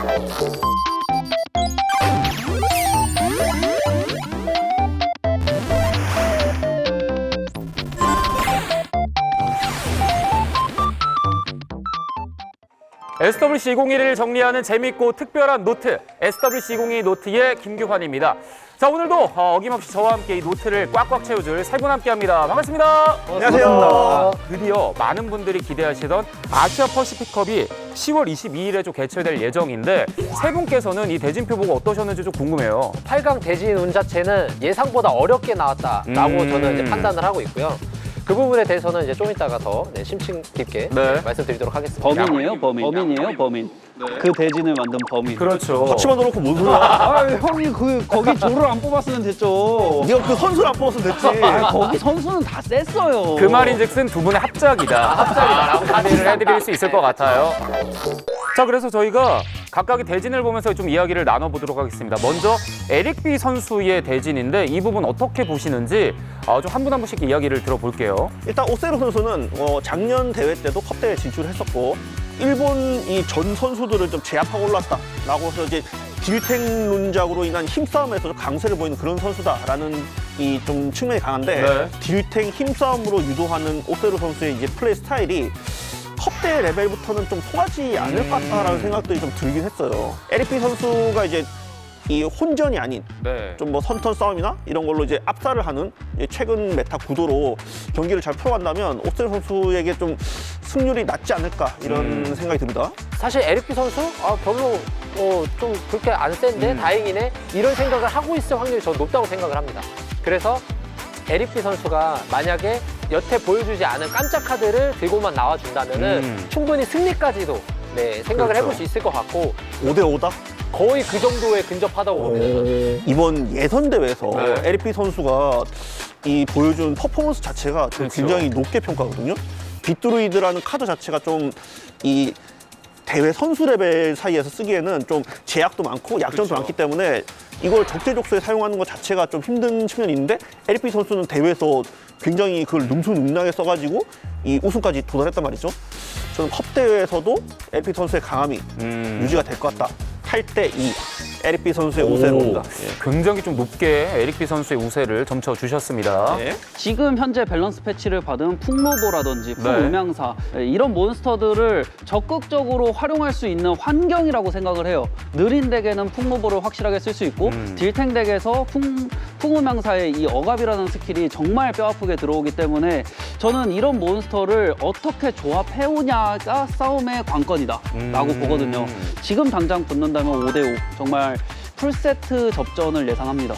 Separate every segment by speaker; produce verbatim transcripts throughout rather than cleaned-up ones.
Speaker 1: 에스더블유씨 이천이십일을 정리하는 재밌고 특별한 노트, 에스더블유씨 이천이십이 노트의 김규환입니다. 자, 오늘도 어, 어김없이 저와 함께 이 노트를 꽉꽉 채워줄 세 분 함께합니다. 반갑습니다.
Speaker 2: 안녕하세요.
Speaker 1: 드디어 많은 분들이 기대하시던 아시아 퍼시픽컵이 시월 이십이일에 좀 개최될 예정인데 세 분께서는 이 대진표 보고 어떠셨는지 좀 궁금해요.
Speaker 3: 팔 강 대진 운 자체는 예상보다 어렵게 나왔다라고
Speaker 1: 음.
Speaker 3: 저는 이제 판단을 하고 있고요. 그 부분에 대해서는 이제 좀 이따가 더 네, 심층 깊게
Speaker 1: 네.
Speaker 3: 네, 말씀드리도록 하겠습니다.
Speaker 4: 범인이에요, 범인. 범인이에요, 범인. 그 대진을 만든 범인.
Speaker 1: 그렇죠.
Speaker 2: 같이 만들어놓고 뭔 소리야?
Speaker 4: 아, 형이 그 거기 조를 안 뽑았으면 됐죠.
Speaker 2: 네가 그 선수를 안 뽑았으면 됐지.
Speaker 4: 아, 거기 선수는 다 셌어요.
Speaker 1: 그 말인즉슨 두 분의 합작이다. 합작이다라고 판단을 해드릴 수 있을 것 같아요. 자, 그래서 저희가 각각의 대진을 보면서 좀 이야기를 나눠보도록 하겠습니다. 먼저 에릭비 선수의 대진인데 이 부분 어떻게 보시는지 어, 좀 한 분 한 분씩 이야기를 들어볼게요.
Speaker 2: 일단 오세로 선수는 어, 작년 대회 때도 컵대회 진출했었고 일본 이 전 선수들을 좀 제압하고 올랐다라고 해서 이제 딜탱 룬작으로 인한 힘싸움에서 좀 강세를 보이는 그런 선수다라는 이 좀 측면이 강한데
Speaker 1: 네.
Speaker 2: 딜탱 힘싸움으로 유도하는 오세로 선수의 이제 플레이 스타일이 컵대회 레벨부터는 좀 통하지 않을 것 같다라는 생각들이 좀 들긴 했어요. 에릭비 선수가 이제 이 혼전이 아닌
Speaker 1: 네.
Speaker 2: 좀 뭐 선턴 싸움이나 이런 걸로 이제 압살을 하는 이제 최근 메타 구도로 경기를 잘 풀어간다면 오셀 선수에게 좀 승률이 낮지 않을까 이런
Speaker 1: 음.
Speaker 2: 생각이 듭니다.
Speaker 3: 사실 에릭비 선수 아, 별로 어, 좀 그렇게 안 센데
Speaker 1: 음.
Speaker 3: 다행이네 이런 생각을 하고 있을 확률이 저는 높다고 생각을 합니다. 그래서 에릭비 선수가 만약에 여태 보여주지 않은 깜짝 카드를 들고만 나와준다면은
Speaker 1: 음.
Speaker 3: 충분히 승리까지도 네, 생각을
Speaker 1: 그렇죠.
Speaker 3: 해볼 수 있을 것 같고
Speaker 2: 오 대 오다?
Speaker 3: 거의 그 정도에 근접하다고 봅니다.
Speaker 2: 이번 예선 대회에서
Speaker 1: 네.
Speaker 2: 에릭비 선수가 이 보여준 퍼포먼스 자체가 좀
Speaker 1: 그렇죠.
Speaker 2: 굉장히 높게 평가하거든요. 빗드루이드라는 카드 자체가 좀 이 대회 선수 레벨 사이에서 쓰기에는 좀 제약도 많고 약점도
Speaker 1: 그렇죠.
Speaker 2: 많기 때문에 이걸 적재적소에 사용하는 것 자체가 좀 힘든 측면이 있는데 에릭비 선수는 대회에서 굉장히 그걸 능수능란하게 써가지고 이 우승까지 도달했단 말이죠. 저는 컵 대회에서도 에릭비 선수의 강함이
Speaker 1: 음.
Speaker 2: 유지가 될 것 같다. 팔 대 이 에릭비 선수의 우세로 봅니다.
Speaker 1: 굉장히 좀 높게 에릭비 선수의 우세를 점쳐주셨습니다.
Speaker 2: 네.
Speaker 4: 지금 현재 밸런스 패치를 받은 풍로보라든지
Speaker 1: 네.
Speaker 4: 풍음향사 이런 몬스터들을 적극적으로 활용할 수 있는 환경이라고 생각을 해요. 느린 덱에는 풍로보를 확실하게 쓸 수 있고
Speaker 1: 음.
Speaker 4: 딜탱 덱에서 풍, 풍음향사의 이 억압이라는 스킬이 정말 뼈아프게 들어오기 때문에 저는 이런 몬스터를 어떻게 조합해오냐가 싸움의 관건이다 라고
Speaker 1: 음.
Speaker 4: 보거든요. 지금 당장 붙는다면 오 대 오 정말 풀세트 접전을 예상합니다.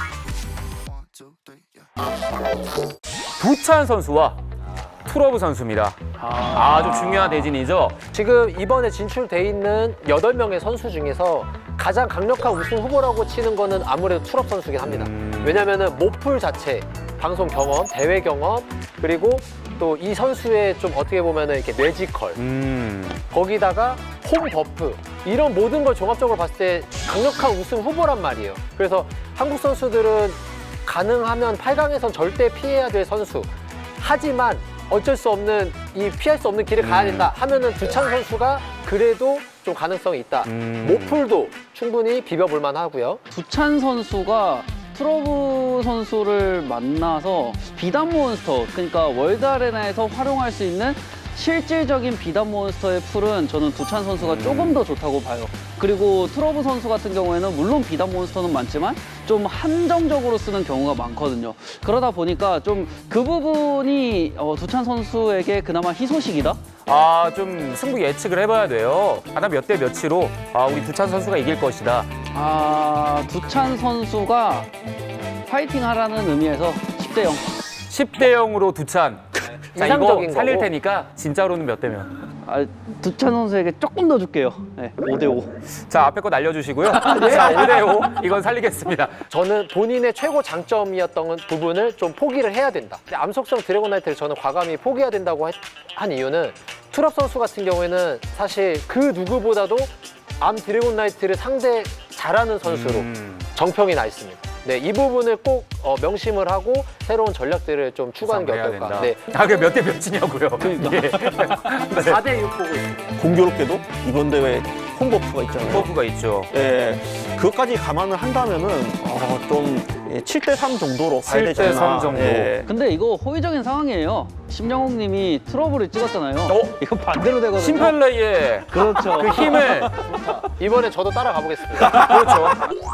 Speaker 1: 두찬 선수와 투러브 선수입니다. 아주 중요한 대진이죠.
Speaker 3: 지금 이번에 진출돼 있는 여덟 명의 선수 중에서 가장 강력한 우승 후보라고 치는 거는 아무래도 투럽 선수긴 합니다.
Speaker 1: 음.
Speaker 3: 왜냐면은 모풀 자체, 방송 경험, 대회 경험, 그리고 또 이 선수의 좀 어떻게 보면은 이렇게 뇌지컬,
Speaker 1: 음.
Speaker 3: 거기다가 홈 버프, 이런 모든 걸 종합적으로 봤을 때 강력한 우승 후보란 말이에요. 그래서 한국 선수들은 가능하면 팔 강에선 절대 피해야 될 선수. 하지만 어쩔 수 없는 이 피할 수 없는 길을 가야 된다 하면은 두찬 선수가 그래도 좀 가능성이 있다.
Speaker 1: 음.
Speaker 3: 모풀도 충분히 비벼볼 만하고요.
Speaker 4: 두찬 선수가 트러브 선수를 만나서 비단 몬스터, 그러니까 월드 아레나에서 활용할 수 있는 실질적인 비단 몬스터의 풀은 저는 두찬 선수가 조금 더 좋다고 봐요. 그리고 트러브 선수 같은 경우에는 물론 비단 몬스터는 많지만 좀 한정적으로 쓰는 경우가 많거든요. 그러다 보니까 좀 그 부분이 어, 두찬 선수에게 그나마 희소식이다?
Speaker 1: 아, 좀 승부 예측을 해봐야 돼요. 하나 몇 대 몇으로 아, 우리 두찬 선수가 이길 것이다.
Speaker 4: 아, 두찬 선수가 파이팅 하라는 의미에서 십 대 영.
Speaker 1: 십 대 영으로 두찬. 자, 이거
Speaker 3: 이상적인
Speaker 1: 살릴
Speaker 3: 거고.
Speaker 1: 테니까 진짜로는 몇 대면.
Speaker 4: 아, 두찬 선수에게 조금 더 줄게요. 네, 오 대 오.
Speaker 1: 자, 앞에 거 날려주시고요. 자, 오 대 오. 이건 살리겠습니다.
Speaker 3: 저는 본인의 최고 장점이었던 부분을 좀 포기를 해야 된다. 근데 암속성 드래곤나이트를 저는 과감히 포기해야 된다고 했- 한 이유는 투럽 선수 같은 경우에는 사실 그 누구보다도 암 드래곤나이트를 상대 잘하는 선수로
Speaker 1: 음.
Speaker 3: 정평이 나 있습니다. 네, 이 부분을 꼭 어, 명심을 하고 새로운 전략들을 좀 추구하는 게
Speaker 1: 해야
Speaker 3: 어떨까.
Speaker 1: 된다.
Speaker 3: 네,
Speaker 1: 아, 그 몇 대 몇이냐고요. 예.
Speaker 3: 사 대 육 보고 있습니다.
Speaker 2: 공교롭게도 이번 대회 홈버프가 있잖아요.
Speaker 1: 버프가 있죠.
Speaker 2: 예, 그것까지 감안을 한다면은 어, 좀 칠 대 삼 정도로 가야 되지
Speaker 1: 칠 대 삼
Speaker 2: 않나.
Speaker 1: 정도.
Speaker 2: 예.
Speaker 4: 근데 이거 호의적인 상황이에요. 심영욱 님이 트러블을 찍었잖아요.
Speaker 1: 어?
Speaker 4: 이거 반대로 되거든요.
Speaker 1: 심펠레이의
Speaker 4: 그렇죠.
Speaker 1: 그 힘을
Speaker 3: 이번에 저도 따라가 보겠습니다.
Speaker 1: 그렇죠.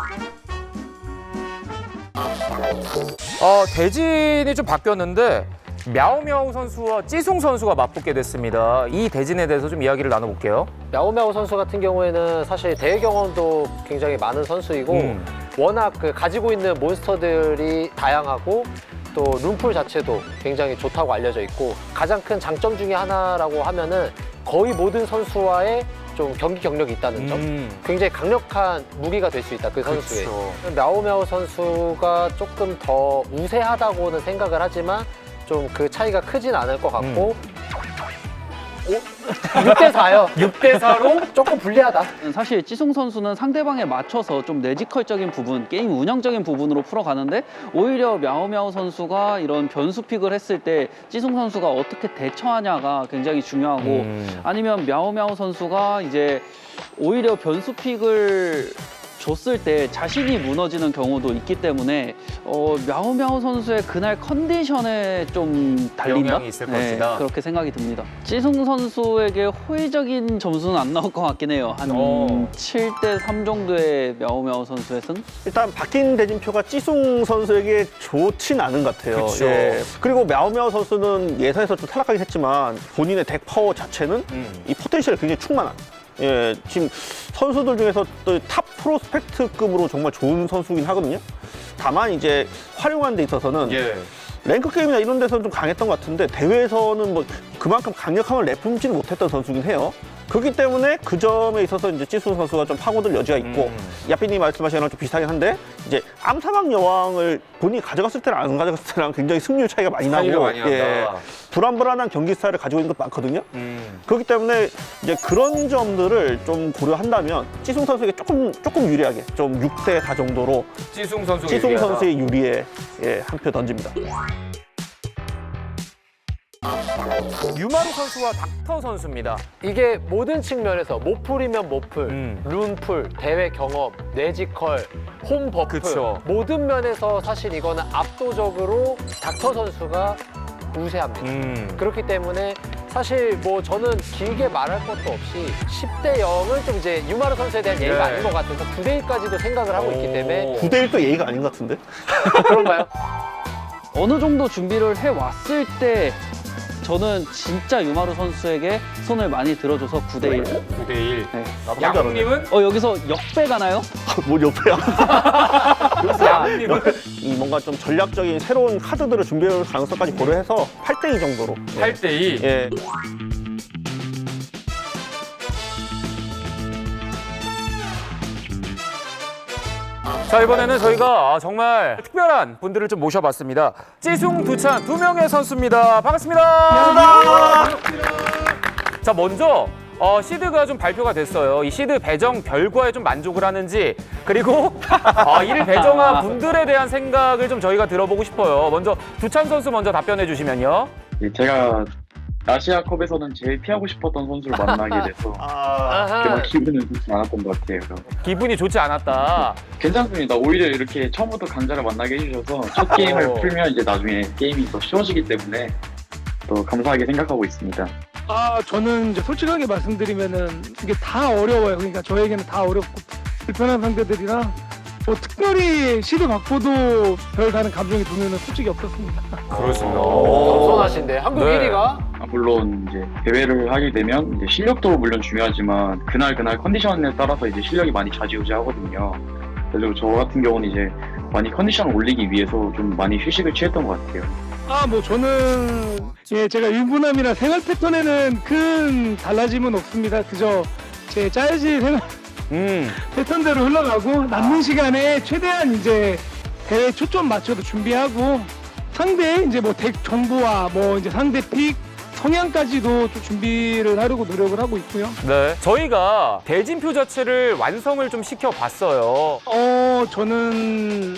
Speaker 1: 어, 대진이 좀 바뀌었는데 мя오мя오 선수와 찌숭 선수가 맞붙게 됐습니다. 이 대진에 대해서 좀 이야기를 나눠볼게요.
Speaker 3: мя오мя오 선수 같은 경우에는 사실 대회 경험도 굉장히 많은 선수이고
Speaker 1: 음.
Speaker 3: 워낙 그 가지고 있는 몬스터들이 다양하고 또 룸풀 자체도 굉장히 좋다고 알려져 있고 가장 큰 장점 중에 하나라고 하면은 거의 모든 선수와의 좀 경기 경력이 있다는 점.
Speaker 1: 음.
Speaker 3: 굉장히 강력한 무기가 될 수 있다, 그 선수의.
Speaker 1: 그렇죠.
Speaker 3: мя오мя오 선수가 조금 더 우세하다고는 생각을 하지만 좀 그 차이가 크진 않을 것 같고 육 대 사요.
Speaker 1: 육 대 사로
Speaker 3: 조금 불리하다.
Speaker 4: 사실 찌숭 선수는 상대방에 맞춰서 좀 내지컬적인 부분, 게임 운영적인 부분으로 풀어가는데 오히려 мя오мя오 선수가 이런 변수 픽을 했을 때 찌숭 선수가 어떻게 대처하냐가 굉장히 중요하고
Speaker 1: 음.
Speaker 4: 아니면 мя오мя오 선수가 이제 오히려 변수 픽을 줬을 때 자신이 무너지는 경우도 있기 때문에 어, мя오мя오 선수의 그날 컨디션에 좀 달린다?
Speaker 1: 영향이 있을 것이다.
Speaker 4: 그렇게 생각이 듭니다. 찌숭 선수에게 호의적인 점수는 안 나올 것 같긴 해요. 한
Speaker 1: 어.
Speaker 4: 칠 대 삼 정도의 мя오мя오 선수의 승?
Speaker 2: 일단 바뀐 대진표가 찌숭 선수에게 좋진 않은 것 같아요.
Speaker 1: 그쵸.
Speaker 2: 예. 그리고 мя오мя오 선수는 예선에서 좀 탈락하긴 했지만 본인의 덱 파워 자체는
Speaker 1: 음.
Speaker 2: 이 포텐셜이 굉장히 충만한. 예, 지금 선수들 중에서 또 탑 프로스펙트급으로 정말 좋은 선수긴 하거든요. 다만 이제 활용하는 데 있어서는
Speaker 1: 예.
Speaker 2: 랭크 게임이나 이런 데서는 좀 강했던 것 같은데 대회에서는 뭐 그만큼 강력함을 내뿜지는 못했던 선수긴 해요. 그렇기 때문에 그 점에 있어서 이제 찌숭 선수가 좀 파고들 여지가 있고
Speaker 1: 음.
Speaker 2: 야삐님 말씀하신 거랑 좀 비슷하긴 한데 이제 암사막 여왕을 본인이 가져갔을 때랑 안 가져갔을 때랑 굉장히 승률 차이가 많이
Speaker 1: 차이가
Speaker 2: 나고
Speaker 1: 많이 난다.
Speaker 2: 불안불안한 경기 스타일을 가지고 있는 것도 많거든요.
Speaker 1: 음.
Speaker 2: 그렇기 때문에 이제 그런 점들을 좀 고려한다면 찌숭 선수에게 조금 조금 유리하게 좀 육 대 사 정도로
Speaker 1: 찌숭 선수
Speaker 2: 찌숭 선수의 유리에 예, 한 표 던집니다.
Speaker 1: 유마루 선수와 닥터 선수입니다.
Speaker 3: 이게 모든 측면에서 모풀이면 모풀,
Speaker 1: 음.
Speaker 3: 룬풀, 대회 경험, 내지컬, 홈 버프
Speaker 1: 그쵸.
Speaker 3: 모든 면에서 사실 이거는 압도적으로 닥터 선수가 우세합니다.
Speaker 1: 음.
Speaker 3: 그렇기 때문에 사실 뭐 저는 길게 말할 것도 없이 십 대 영은 좀 이제 유마루 선수에 대한 예의가
Speaker 1: 네.
Speaker 3: 아닌 것 같아서 구 대 일까지도 생각을 하고 있기 때문에
Speaker 2: 구 대 일도 예의가 아닌 것 같은데?
Speaker 3: 그런가요?
Speaker 4: 어느 정도 준비를 해왔을 때 저는 진짜 유마루 선수에게 손을 많이 들어줘서 구 대 일.
Speaker 1: 구 대 일.
Speaker 4: 네.
Speaker 2: 나도
Speaker 1: 양님은?
Speaker 4: 어, 여기서 역배 가나요?
Speaker 2: 뭐 옆에야.
Speaker 1: 양님은?
Speaker 2: 이 뭔가 좀 전략적인 새로운 카드들을 준비할 가능성까지 고려해서 팔 대 이 정도로.
Speaker 1: 팔 대 이.
Speaker 2: 예.
Speaker 1: 자, 이번에는 저희가 정말 특별한 분들을 좀 모셔봤습니다. 찌숭, 두찬 두 명의 선수입니다. 반갑습니다. 자, 먼저 어, 시드가 좀 발표가 됐어요. 이 시드 배정 결과에 좀 만족을 하는지 그리고 어, 이를 배정한 분들에 대한 생각을 좀 저희가 들어보고 싶어요. 먼저 두찬 선수 먼저 답변해 주시면요.
Speaker 5: 네, 제가 아시아컵에서는 제일 피하고 싶었던 선수를 만나게 돼서
Speaker 2: 아,
Speaker 5: 그렇게 막
Speaker 3: 아하.
Speaker 5: 기분은 좋지 않았던 것 같아요.
Speaker 1: 기분이 좋지 않았다.
Speaker 5: 괜찮습니다. 오히려 이렇게 처음부터 강자를 만나게 해주셔서 첫 게임을
Speaker 1: 오.
Speaker 5: 풀면 이제 나중에 게임이 더 쉬워지기 때문에 또 감사하게 생각하고 있습니다.
Speaker 6: 아, 저는 이제 솔직하게 말씀드리면은 이게 다 어려워요. 그러니까 저에게는 다 어렵고 불편한 상대들이라 뭐 특별히 시드 받고도 별 다른 감정이 드는 솔직히 없었습니다.
Speaker 1: 그렇습니다.
Speaker 3: 겸손하신데 한국
Speaker 1: 네.
Speaker 3: 일 위가
Speaker 5: 아, 물론 이제 대회를 하게 되면 이제 실력도 물론 중요하지만 그날 그날 컨디션에 따라서 이제 실력이 많이 좌지우지하거든요. 그래서 저 같은 경우는 이제 많이 컨디션을 올리기 위해서 좀 많이 휴식을 취했던 것 같아요.
Speaker 6: 아, 뭐 저는 예, 제가 유부남이나 생활 패턴에는 큰 달라짐은 없습니다. 그저 제 짜여진 생활
Speaker 1: 음.
Speaker 6: 패턴대로 흘러가고 남는 시간에 최대한 이제 대회 초점 맞춰서 준비하고 상대 이제 뭐 덱 정보와 뭐 이제 상대 픽 성향까지도 좀 준비를 하려고 노력을 하고 있고요.
Speaker 1: 네. 저희가 대진표 자체를 완성을 좀 시켜봤어요.
Speaker 6: 어, 저는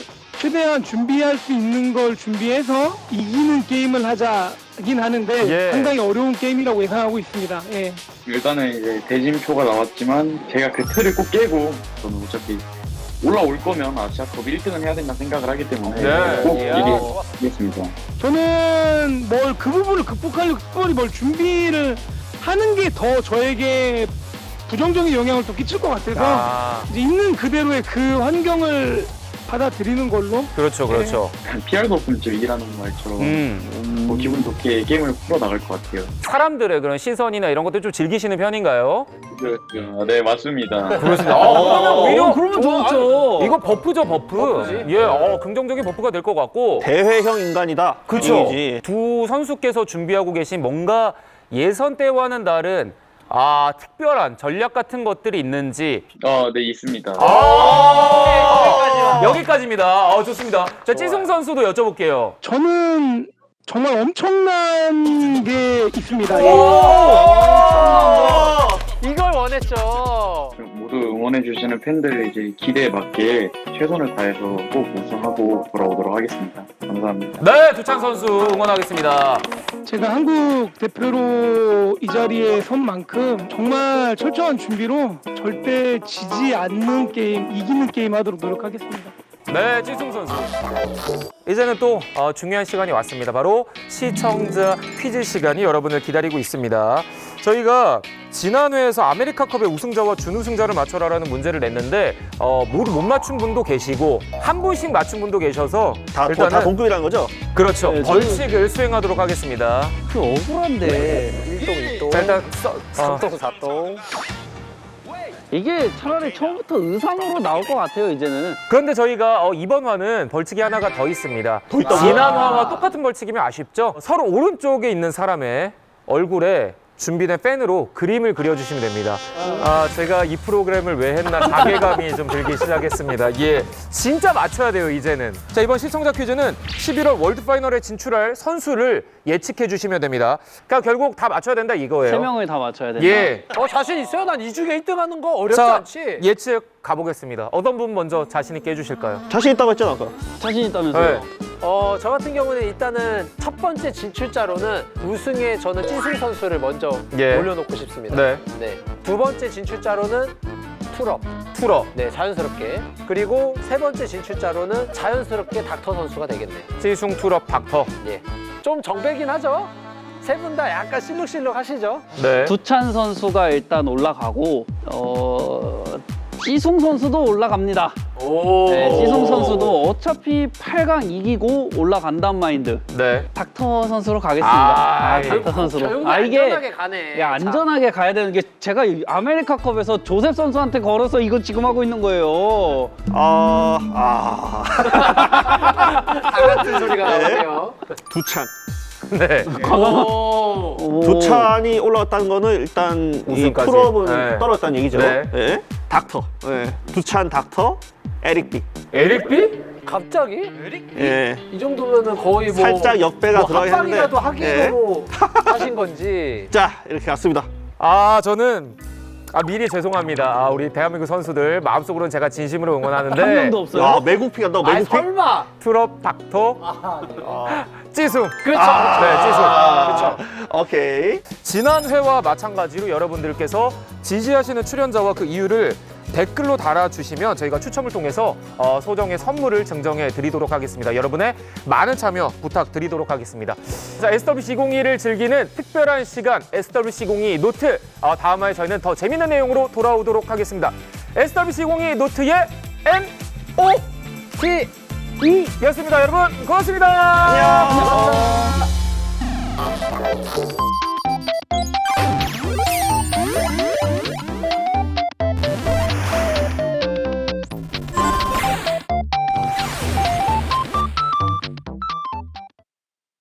Speaker 6: 최대한 준비할 수 있는 걸 준비해서 이기는 게임을 하자긴 하는데
Speaker 1: 예.
Speaker 6: 상당히 어려운 게임이라고 예상하고 있습니다. 예.
Speaker 5: 일단은 이제 대진표가 나왔지만 제가 그 틀을 꼭 깨고 저는 어차피 올라올 거면 아시아컵 일 등은 해야 된다 생각을 하기 때문에
Speaker 1: 네.
Speaker 5: 꼭
Speaker 3: 이야.
Speaker 5: 이기겠습니다.
Speaker 6: 저는 뭘 그 부분을 극복하려고 특별히 뭘 준비를 하는 게 더 저에게 부정적인 영향을 또 끼칠 것 같아서
Speaker 1: 아,
Speaker 6: 이제 있는 그대로의 그 환경을 받아들이는 걸로.
Speaker 1: 그렇죠, 그렇죠.
Speaker 5: 피할 수 없으면 좀 이기라는 말처럼
Speaker 1: 음,
Speaker 5: 뭐 기분 좋게 게임을 풀어 나갈 것 같아요.
Speaker 1: 사람들의 그런 시선이나 이런 것들 좀 즐기시는 편인가요?
Speaker 5: 그렇죠. 네, 맞습니다.
Speaker 1: 그렇습니다. 어, 그러면 오히려
Speaker 4: 그러면 좋죠.
Speaker 1: 이거 버프죠, 버프.
Speaker 3: 버프지.
Speaker 1: 예, 어, 긍정적인 버프가 될 것 같고.
Speaker 2: 대회형 인간이다.
Speaker 1: 그렇죠.
Speaker 2: 이지.
Speaker 1: 두 선수께서 준비하고 계신 뭔가 예선 때와는 다른 아 특별한 전략 같은 것들이 있는지.
Speaker 5: 아, 네, 있습니다.
Speaker 1: 아, 여기까지입니다. 어, 좋습니다. 자, 찌승 선수도 여쭤볼게요.
Speaker 6: 저는 정말 엄청난 게 있습니다.
Speaker 3: 이걸 원했죠.
Speaker 5: 모두 응원해주시는 팬들 이제 기대에 맞게 최선을 다해서 꼭 우승하고 돌아오도록 하겠습니다. 감사합니다.
Speaker 1: 네, 두찬 선수 응원하겠습니다.
Speaker 6: 제가 한국 대표로 이 자리에 선 만큼 정말 철저한 준비로 절대 지지 않는 게임, 이기는 게임 하도록 노력하겠습니다.
Speaker 1: 네, 찌승 선수. 이제는 또 어, 중요한 시간이 왔습니다. 바로 시청자 퀴즈 시간이 여러분을 기다리고 있습니다. 저희가 지난 회에서 아메리카컵의 우승자와 준우승자를 맞춰라라는 문제를 냈는데 어, 모두 못 맞춘 분도 계시고 한 분씩 맞춘 분도 계셔서
Speaker 2: 다,
Speaker 1: 일단은
Speaker 2: 다 동급이라는 거죠?
Speaker 1: 그렇죠.
Speaker 4: 네, 저는-
Speaker 1: 벌칙을 수행하도록 하겠습니다.
Speaker 4: 그 억울한데
Speaker 3: 일동 이동.
Speaker 1: 자, 일단 써, 어,
Speaker 3: 삼동 사동.
Speaker 4: 이게 차라리 처음부터 의상으로 나올 것 같아요 이제는.
Speaker 1: 그런데 저희가 어, 이번 화는 벌칙이 하나가 더 있습니다.
Speaker 2: 있다고요?
Speaker 1: 지난 화와 똑같은 벌칙이면 아쉽죠? 서로 오른쪽에 있는 사람의 얼굴에 준비된 펜으로 그림을 그려주시면 됩니다. 아, 제가 이 프로그램을 왜 했나 자괴감이 좀 들기 시작했습니다. 예, 진짜 맞춰야 돼요, 이제는. 자, 이번 시청자 퀴즈는 십일월 월드 파이널에 진출할 선수를 예측해 주시면 됩니다. 그러니까 결국 다 맞춰야 된다 이거예요.
Speaker 4: 세 명을 다 맞춰야 된다.
Speaker 1: 예.
Speaker 3: 어 자신 있어요? 난 이 중에 일 등 하는 거 어렵지
Speaker 1: 자,
Speaker 3: 않지?
Speaker 1: 예측 가보겠습니다. 어떤 분 먼저 자신 있게 해주실까요?
Speaker 2: 자신 있다고 했잖아, 아까.
Speaker 4: 자신 있다면서요?
Speaker 1: 네.
Speaker 3: 어, 저 같은 경우는 일단은 첫 번째 진출자로는 우승에 저는 찐승 선수를 먼저
Speaker 1: 예.
Speaker 3: 올려놓고 싶습니다.
Speaker 1: 네.
Speaker 3: 네. 두 번째 진출자로는 투럽.
Speaker 1: 투러,
Speaker 3: 네, 자연스럽게. 그리고 세 번째 진출자로는 자연스럽게 닥터 선수가 되겠네.
Speaker 1: 찌숭, 투러, 닥터.
Speaker 3: 예. 좀 정배긴 하죠? 세 분 다 약간 실룩실룩 하시죠?
Speaker 1: 네.
Speaker 4: 두찬 선수가 일단 올라가고 어 찌송 선수도 올라갑니다.
Speaker 1: 오.
Speaker 4: 네, 찌송 선수도 어차피 팔 강 이기고 올라간단 마인드.
Speaker 1: 네.
Speaker 4: 닥터 선수로 가겠습니다.
Speaker 1: 아,
Speaker 4: 아,
Speaker 1: 이-
Speaker 4: 닥터
Speaker 3: 저
Speaker 4: 선수로.
Speaker 3: 형님
Speaker 4: 아 이게
Speaker 3: 안전하게 가네.
Speaker 4: 야, 안전하게 가야 되는 게 제가 이 아메리카컵에서 조셉 선수한테 걸어서 이거 지금 하고 있는 거예요.
Speaker 2: 아, 아.
Speaker 3: 다 같은 소리가 나오네요.
Speaker 2: 두찬.
Speaker 1: 네.
Speaker 3: 오.
Speaker 4: 오.
Speaker 2: 두찬이 올라왔다는 거는 일단 이
Speaker 1: 우승까지.
Speaker 2: 풀업은
Speaker 1: 네.
Speaker 2: 떨어졌다는 얘기죠.
Speaker 1: 네.
Speaker 2: 예. 닥터. 예. 두찬 닥터, 에릭 비.
Speaker 1: 에릭 비?
Speaker 3: 갑자기?
Speaker 2: 예.
Speaker 3: 이 정도면은 거의 뭐
Speaker 2: 살짝 역배가
Speaker 3: 뭐
Speaker 2: 들어가긴 한데.
Speaker 3: 합방이라도 하기로 하신 건지.
Speaker 2: 자, 이렇게 갔습니다.
Speaker 1: 아, 저는 아 미리 죄송합니다. 아, 우리 대한민국 선수들 마음속으로는 제가 진심으로 응원하는데
Speaker 4: 한 명도 없어요.
Speaker 2: 야, 매국픽 한다고
Speaker 3: 아니
Speaker 2: 매국픽?
Speaker 3: 설마.
Speaker 1: 트럽, 닥터, 찌숭.
Speaker 3: 그렇죠.
Speaker 1: 네, 찌숭.
Speaker 2: 아, 오케이.
Speaker 1: 지난 회와 마찬가지로 여러분들께서 지지하시는 출연자와 그 이유를 댓글로 달아주시면 저희가 추첨을 통해서 어, 소정의 선물을 증정해 드리도록 하겠습니다. 여러분의 많은 참여 부탁드리도록 하겠습니다. 자, 에스더블유씨 이공이를 즐기는 특별한 시간 에스더블유씨 이공이 노트. 어, 다음 화에 저희는 더 재밌는 내용으로 돌아오도록 하겠습니다. 에스더블유씨 이공이 노트의 엠 오 티 이였습니다. 여러분 고맙습니다.
Speaker 2: 안녕.
Speaker 3: 감사합니다.